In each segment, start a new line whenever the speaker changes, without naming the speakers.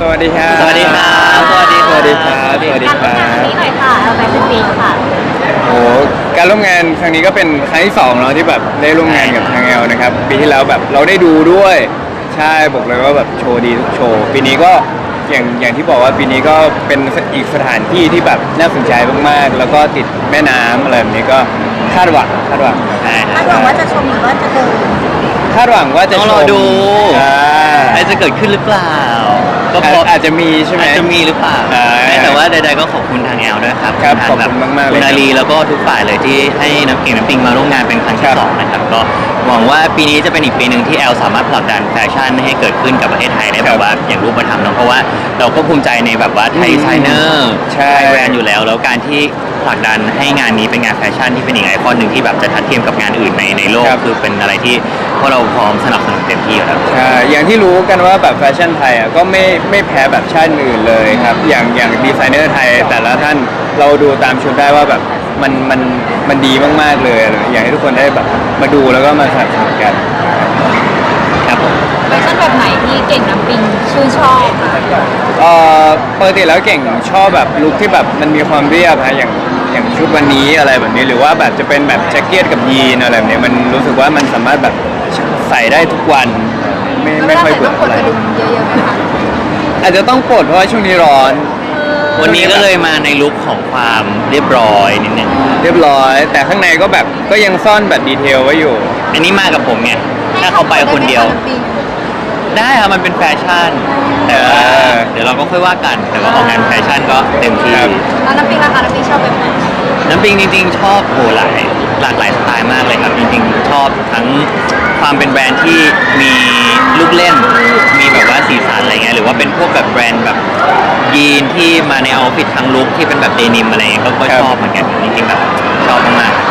สวัสดีครับ
สวัสดีครับสวัสดี
สวัสดีครับ สวัสดีค
การ
รั
ร่วมงานครั้ง
บ
นี้หน่อยค่ะแฟชั่นวีคค่ะ
โอ้การร่วมงานครั้งนี้ก็เป็นครั้งที่2เนาะที่แบบได้ร่วมงานกับทางแอลนะครับปีที่แล้วแบบเราได้ดูด้วยใช่บอกเลยว่าแบบโชว์ดีทุกโชว์ปีนี้ก็อย่างที่บอกว่าปีนี้ก็เป็นอีกสถานที่ที่แบบน่าสนใจมากๆแล้วก็ติดแม่น้ำอะไรแบบนี้ก็คาดหวัง
คาดหวังว่าจะชมหรือว่าจะเดิน
คาดหวังว่าจะ
ต้อง
ช
รอ
ม
ดู
อ่า
อะไรจะเกิดขึ้นหรือเปล่า ก็พอ
อาจจะมีใช่ไหม
อาจจะมีหรือเปล่า
อ่า
แต่ว่าใดๆก็ขอบคุณทางแอลด้วยครับ
ครับ
ทง
ขอบคุณมากๆเลย
คุณอาลี
ครับ
แล้วก็ทุกฝ่ายเลยที่ให้น้ำเก่งน้ำปิงมาร่วมงานเป็นครั้ง
ครั
ที่
บ
สองนะครับก็หวังว่าปีนี้จะเป็นอีกปีหนึ่งที่แอลสามารถผลักดันแฟชั่นให้เกิดขึ้นกับประเทศไทยได้แบบว่าอย่างรูปธรรมเนอะเพราะว่าเราก็ภูมิใจในแบบว่าไทยดีไซเนอร์
ใช่
ไทยแบรนด์อยู่แล้วการที่ผลักดันให้งานนี้เป็นงานแฟชั่นที่เป็นอีกไอคอนหนึ่งที่แบบจะทัดเทียมกับงานอื่นในโลก
ครับ
คือเป็นอะไรที่พวกเราพร้อมสนับสนุนเต็มที่อยู่แล้ว
ใช่อย่างที่รู้กันว่าแบบแฟชั่นไทยอ่ะก็ไม่แพ้แบบชาติอื่นเลยครับอย่างดีไซเนอร์ไทยแต่ละท่านเราดูตามชุดได้ว่าแบบมันดีมากๆเลยอยากให้ทุกคนได้แบบมาดูแล้วก็มาสนับสนุนกันครับผม
แฟชั่นแบบไหนที่เก่งน้ำปิงชื่นชอบค่ะ
ปกติแล้วเก่งชอบแบบลุคที่แบบมันมีความเรียบฮะอย่างชุดวันนี้อะไรแบบนี้หรือว่าแบบจะเป็นแบบแจ็คเก็ตกับยีนอะไรแบบนี้มันรู้สึกว่ามันสามารถแบบใส่ได้ทุกวันไม่ค่อยเบื่อ
ต้องก
อะ
ด
ไร
กระดุมเยอะๆไหมคะ
อาจจะต้องปลดเพราะว่าช่วงนี้ร้อน
วันนี้ก็เลยมาในลุคของความเรียบร้อยนิดนึง
เรียบร้อย แต่ข้างในก็แบบก็ยังซ่อนแบบดีเทลไว้อยู่
อันนี้มากับผมไง ถ้าเขาไปคนเดียว ได้ครับมันเป็นแฟชั่น แต่ว่าเดี๋ยวเราก็ค่อยว่ากัน แต่ว่าออกงานแฟชั่นก็เต็มที่
ครับ
แล้วน้ำปิงราคาน้ำปิงชอบแบบไหน
น้ำปิงจริงๆ ชอบหลากหลายสไตล์มากเลยครับจริงๆ ชอบทั้งความเป็นแบรนด์ที่มีลูกเล่น มีแบบว่าสีสันอะไรเงี้ยหรือว่าเป็นพวกแบบแบรนด์แบบยีนที่มาในเอาท์ฟิตทั้งลุคที่เป็นแบบเดนิมอะไรเงี้ยก็ชอบเหมือนกันจริงๆแบบชอบมากๆ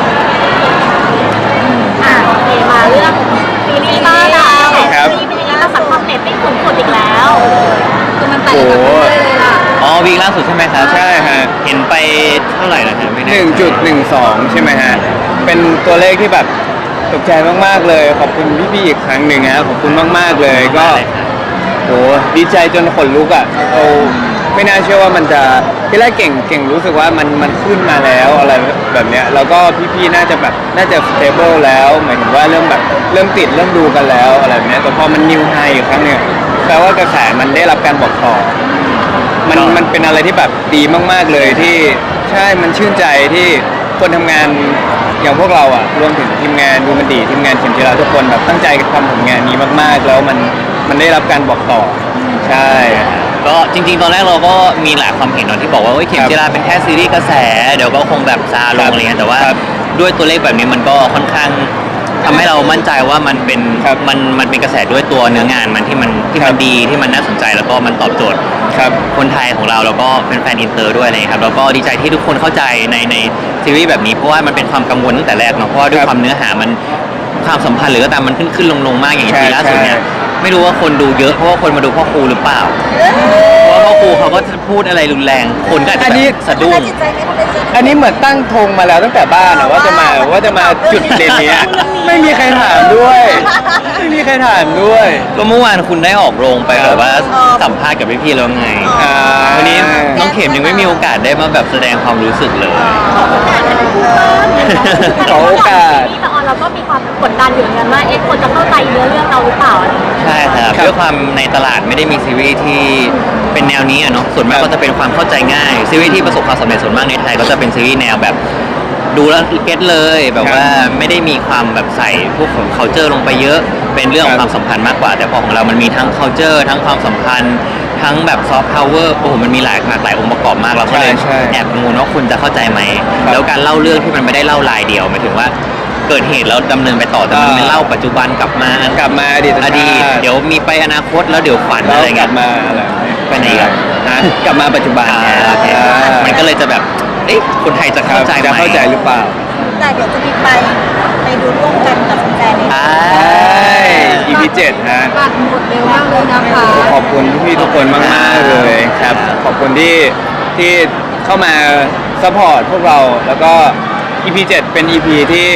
โอเคมาเรื่องซีรีส์บ้านเรา
ครับ
ซีรีส์เป็นยังไงเราสังความเน็ตไม่ขุนขดอีกแล้วคือมันไปกับเรื่อยๆเลยล่ะ
อ๋อวีคล่าสุดใช่ไหมครับ
ใช่ฮะ
เห็นไปเท่าไหร่นะฮะไม่แน่
1.12 ใช่ไหมฮะ เป็นตัวเลขที่แบบตกใจมากๆเลย ขอบคุณพี่ๆอีกครั้งหนึ่งฮะขอบคุณมากๆเลยก็โหดีใจจนขนลุกอ่ะเราไม่น่าเชื่อว่ามันจะที่แรกเก่งรู้สึกว่ามันขึ้นมาแล้วอะไรแบบเนี้ยแล้วก็พี่ๆน่าจะแบบน่าจะ stable แล้วหมายถึงว่าเริ่มแบบเริ่มติดเริ่มดูกันแล้วอะไรแบบเนี้ยแต่พอมันนิวไฮอีกครั้งหนึงแปลว่ากระแสมันได้รับการบอกต่อ มันเป็นอะไรที่แบบดีมากๆเลยที่ใช่มันชื่นใจที่คนทำงานอย่างพวกเราอ่ะรวมถึงทีมงานดูมันดีทีมงานเข็มจีราทุกคนแบบตั้งใจทำผลงานนี้มากๆ แล้วมันได้รับการบอกต่อใช่
ก็จริงๆ ตอนแรกเราก็มีหลายความเห็นเนอะที่บอกว่าเฮ้ยเข็มจีราเป็นแค่ซีรีส์กระแส เดี๋ยวก็คงแบบซาลงอะไรเงี้ยแต่ว่า
ครับ
ด้วยตัวเลขแบบนี้มันก็ค่อนข้างทำให้เรามั่นใจว่ามันเป็น
ครับ
มันเป็นกระแสด้วยตัวเนื้องานมันที่มัน
ครับ
ดีที่มันน่าสนใจแล้วก็มันตอบโจทย์
ครับ
คนไทยของเราแล้วก็เป็นแฟนอินเตอร์ด้วยอะไรอย่างเลยครับแล้วก็ดีใจที่ทุกคนเข้าใจในซีรีส์แบบนี้เพราะว่ามันเป็นความกังวลตั้งแต่แรกเนาะเพราะว่าด้วย
ครับ
ความเนื้อหามันความสัมพันธ์หรือก็ตามมันขึ้นลงมากอย่าง
ใช่
ทีล่าสุดเนี่ย
ใช่
ไม่รู้ว่าคนดูเยอะเพราะว่าคนมาดูพ่อครูหรือเปล่าเพราะว่าพ่อครูเขาก็จะพูดอะไรรุนแรงคนก็อาจจะแบบสะดุ้ง
จิตใจไม่คนได้เจอ
อันนี้เหมือนตั้งธงมาแล้วตั้งแต่บ้านอะว่าจะมาจุดเด่นเนี้ยไม่มีใครถามด้วย ไม่มีใครถามด้วย
ก็เมื่อวานคุณได้ออกโรงไปแบบว่าสัมภาษณ์กับพี่ๆแล้วไง
อ่า
วันนี้น้องเข็มยังไม่มีโอกาสได้มาแบบแสดงความรู้สึกเลย
ขอโอกาส
ที่ตอนเราก็มีความกดดันอยู่เหมือนกันว่าคนจะเข้าใจเนื้อเรื่องเราหรือเปล่าอะไรอย่างเงี้ย
ใช่ครับ
ครับ
ด้วยความในตลาดไม่ได้มีซีรีส์ที่เป็นแนวนี้อะเนาะส่วนมาก
ครับ
ก็จะเป็นความเข้าใจง่ายซีรีส์ที่ประสบความสำเร็จส่วนมากในไทยก็จะเป็นซีรีส์แนวแบบดูแล้วเก็ตเลยแบบว่าไม่ได้มีความแบบใส่พวกของ culture ลงไปเยอะเป็นเรื่องของความสัมพันธ์มากกว่า แต่พอของเรามันมีทั้ง culture ทั้งความสัมพันธ์ ทั้งแบบ soft power โอ้โหมันมีหลากหลายองค์ประกอบมากเราก็เลย
ใช่
แอบกังวลว่าคุณจะเข้าใจไหม
ครับ
แล้วการเล่าเรื่องที่มันไม่ได้เล่ารายเดียวหมายถึงว่าเกิดเหตุแล้วดำเนินไปต่อแต่มันไม่เล่าปัจจุบันกลับมา
กลับมาอดีต
อดีตเดี๋ยวมีไปอนาคตแล้วเดี๋ยวฝัน
แล้ว
อะไร
กลั
เงี้
บ
ย
มาอะไรแบบนี้
ไปไหนกัน
ฮะกลับมาปัจจุบันไง
โอเค มันก็เลยจะแบบ เอ๊ะคนไทยจะเข้าใจไหม
จะเข้าใจหรือเปล่า
แต่เดี๋ยวจะมีไปดูร่วมกันกับแฟนๆใน
ใช่
ใช่ EP 7 ฮะ
บัตรหมดเร็วมากเลยนะคะ
ขอบคุณพี่ๆทุกคนมากๆเลยครับ ขอบคุณที่เข้ามาซัพพอร์ตพวกเรา แล้วก็ EP 7 เป็น EP ที่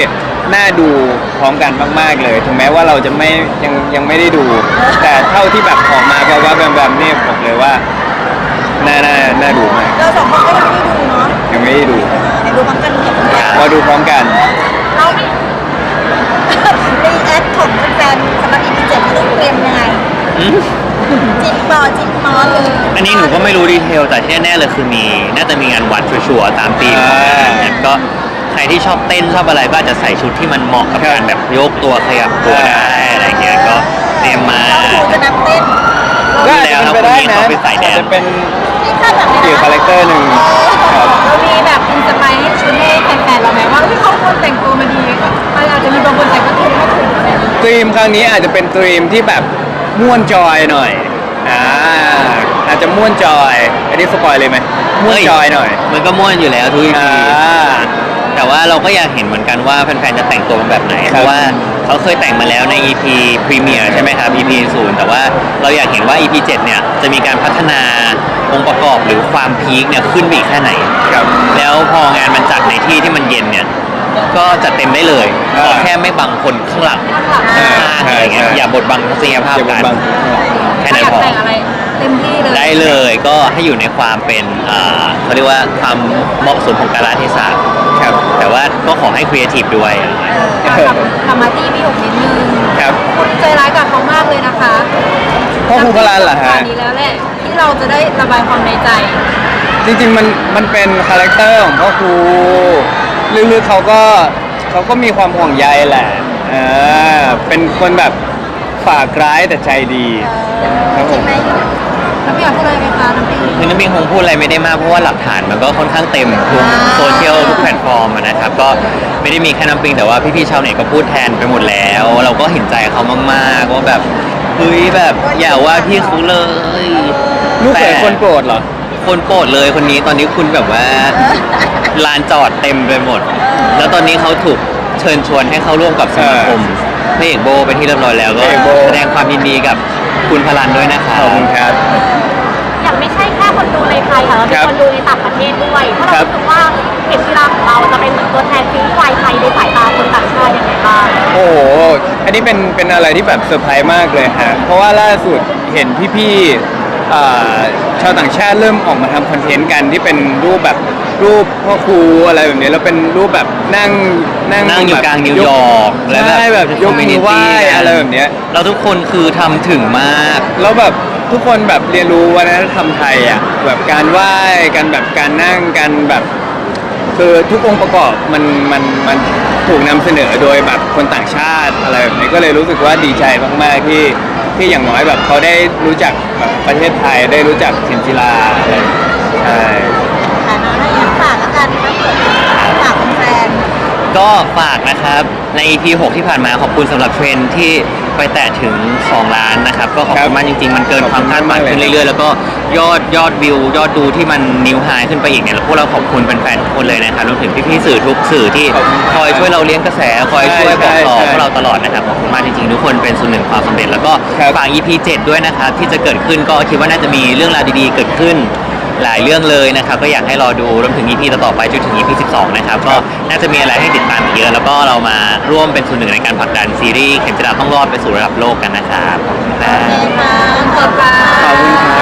น่าดูพร้อมกันมากๆเลยถึงแม้ว่าเราจะไม่ยังไม่ได้ดู แต่เท่าที่แบบออกมาแบบว่าแบบนี่บอกเลยว่าน่าดูมาก
เราสองคนก็ยังไม่ได้ดูเนาะ
ยังไม่ได้ดู
เดี๋ยวดูพร้อมกันเดี๋ยวพร้อมกัน
มาดูพร้อมกัน
เราไม่
รีแอคของแฟนๆสำหรับ EP 7ไม่รู้เตรียมยังไง
อืม
จิตจิตมอเลย
อันนี้หนูก็ไม่รู้ดีเทลแต่ที่แน่ๆเลยคือน่าจะมีงานวัดชัวร์ๆตามธีมของงานเนี่ยก็ใครที่ชอบเต้นชอบอะไรก็อาจจะใส่ชุดที่มันเหมาะกับการแบบโยกตัวขยับตัวได้อะไรเงี้ยก็เตรียมมา
เราดูจะนับเต้น
ก็อาจจะเป็นไปได้นะ
เขาเป็นสายแดน
อาจจะเป็น
ที่คาดหวังเลย
อีก
นะ
คาแรคเตอร์หนึ่งครับ
เรามีแบบอินสไปร์ให้ชุดให้แฟนๆเราไหมว่าเขาควรแต่งตัวมาดีอาจจะมีบางคนแต่งก็ถูกไม่ถูกอะไรอย่างเงี้ย
ดรีมครั้งนี้อาจจะเป็นดรีมที่แบบม่วนจอยหน่อยอาจจะม่วนจอยอันนี้สปอยเลยไหมม่วนจอยหน่อย
มันก็ม่วนอยู่แล้วทุก EP
อ่า
แต่ว่าเราก็อยากเห็นเหมือนกันว่าแฟนๆจะแต่งตัวเป็นแบบไหน
ครับ
เพราะว่าเขาเคยแต่งมาแล้วใน EP พรีเมียร์ใช่ไหมครับ EP 0แต่ว่าเราอยากเห็นว่า EP 7เนี่ยจะมีการพัฒนาองค์ประกอบหรือความพีคเนี่ยขึ้นไปอีกแค่ไหน
ครับ
แล้วพองานมันจัดในที่ที่มันเย็นเนี่ยก็จัดเต็มได้เลย
อ่า
ขอแค่ไม่บังคนข้างหลัง
อ่า
ข้างอะไรเงี้ย
ใช่
อย่าบดบังทัศนียภาพ
อย่าบ
กั
ด
น
บัง
แค่
ถ้า
นั้
อน ยาก
พอ
แต่งอะไรเต็มที่เลย
ได้เลยก็ให้อยู่ในความเป็นเขาเรียกว่าความเหมาะสมของกาลเทศะ
ครับ
แต่ว่าก็ขอให้ครีเอทีฟด้วย
ทำมาที่พี่หกนิดนึง
ครับ
คุณใจร้ายกับเขามากเลยนะคะ
พ่อครูพลานเหรอฮะ
นี้แล้วแหละที่เราจะได้ระบายความในใจ
จริงๆมันเป็นคาแรคเตอร์ของพ่อครูลึกๆเขาก็มีความห่วงใยแหละเป็นคนแบบฝากร้ายแต่ใจดีครับผม
ใช่ไหม
น้ำพี่อยากพูดอะไรไหมคะน้ำพี่
คือน้ำปิงคงพูดอะไรไม่ได้มากเพราะว่าหลักฐานมันก็ค่อนข้างเต็มทุกโซเชียลทุกแพลตฟอร์มอะนะครับก็ไม่ได้มีแค่น้ำปิงแต่ว่าพี่ๆชาวเน็ตก็พูดแทนไปหมดแล้ว เราก็เห็นใจเขามากๆว่าแบบเฮ้ยแบบอย่าว่าพี่เขาเลย
ลูกเขยคนโปรดเหรอ
คนโปรดเลยคนนี้ตอนนี้คุณแบบว่าลานจอดเต็มไปหมด แล้วตอนนี้เขาถูกเชิญชวนให้เข้าร่วมกับสมาคมพระเอกโบไปที่เรียบร้อยแล้วก็
พระเอกโบ
แสดงความยินดีกับคุณพลันด้วยนะคะ
ขอบคุณครับ
อย่างไม่ใช่แค่คนดูในไทยค่ะเราเป็นคนดูในต่างประเทศด้วยเพราะเรารู้สึกว่าเข็มกีฬาของเราจะเป็นเหมือนตัวแทนซีรีส์วายไทยในสายตาคนต่างชาติยังไงบ้าง
โอ้โห อันนี้เป็นอะไรที่แบบเซอร์ไพรส์มากเลยฮะ เพราะว่าล่าสุดเห็นพี่ๆชาวต่างชาติเริ่มออกมาทำคอนเทนต์กันที่เป็นรูปแบบรูปพ่อครูอะไรแบบนี้แล้วเป็นรูปแบบนั่ง
นั่งอยู่
แบบ
กลางนิวยอร์กและ
ใช่แบบยกมือไหว้
community
อะไรแบบเนี้ย
เราทุกคนคือทำถึงมาก
แล้วแบบทุกคนแบบเรียนรู้วัฒนธรรมไทยอ่ะแบบการไหว้กันแบบการนั่งกันแบบ คือทุกองค์ประกอบมันถูกนำเสนอโดยแบบคนต่างชาติอะไรแบบนี้ก็เลยรู้สึกว่าดีใจมากๆที่อย่างน้อยแบบเขาได้รู้จักแบบประเทศไทยได้รู้จักเข็มจีราอะไรใช่
ฐานะให้อยากฝากแล้วกันถ้าเกิดฝากแฟน
ก็ฝากนะครับใน EP 6 ที่ผ่านมาขอบคุณสำหรับเทรนด์ที่ไปแตะถึง 2 ล้านนะครับ ก็ขอบคุณมากจริงๆ มันเกินความคาดหมายขึ้นเรื่อยๆ แล้วก็ยอดวิวยอดดูที่มันนิวไฮขึ้นไปอีกเนี่ยแล้วพวกเราขอบคุณแฟนๆทุกคนเลยนะครับรวมถึงพี่ๆสื่อทุกสื่อที่คอยช่วยเราเลี้ยงกระแสคอยช่วยบอกต่อพวกเราตลอดนะครับขอบคุณมากจริงๆ ทุกคนเป็นส่วนหนึ่งความสำเร็จแล้วก็ฝาก EP 7 ด้วยนะครับที่จะเกิดขึ้นก็คิดว่าน่าจะมีเรื่องราวดีๆเกิดขึ้น หลายเรื่องเลยนะครับก็อยากให้รอดูรวมถึง EP ต่อๆไปจนถึง EP 12 นะครับก็น่าจะมีอะไรให้ติดตามอีกเยอะแล้วก็เรามาร่วมเป็นส่วนหนึ่งในการผลักดันซีรีส์เข็มจิราต้องรอดไปสู่ระดับโลกกันนะครับขอบคุณครั
ๆโอเค
บ
ค่ะขอบคุณค่ะ
ขอบคุณครับ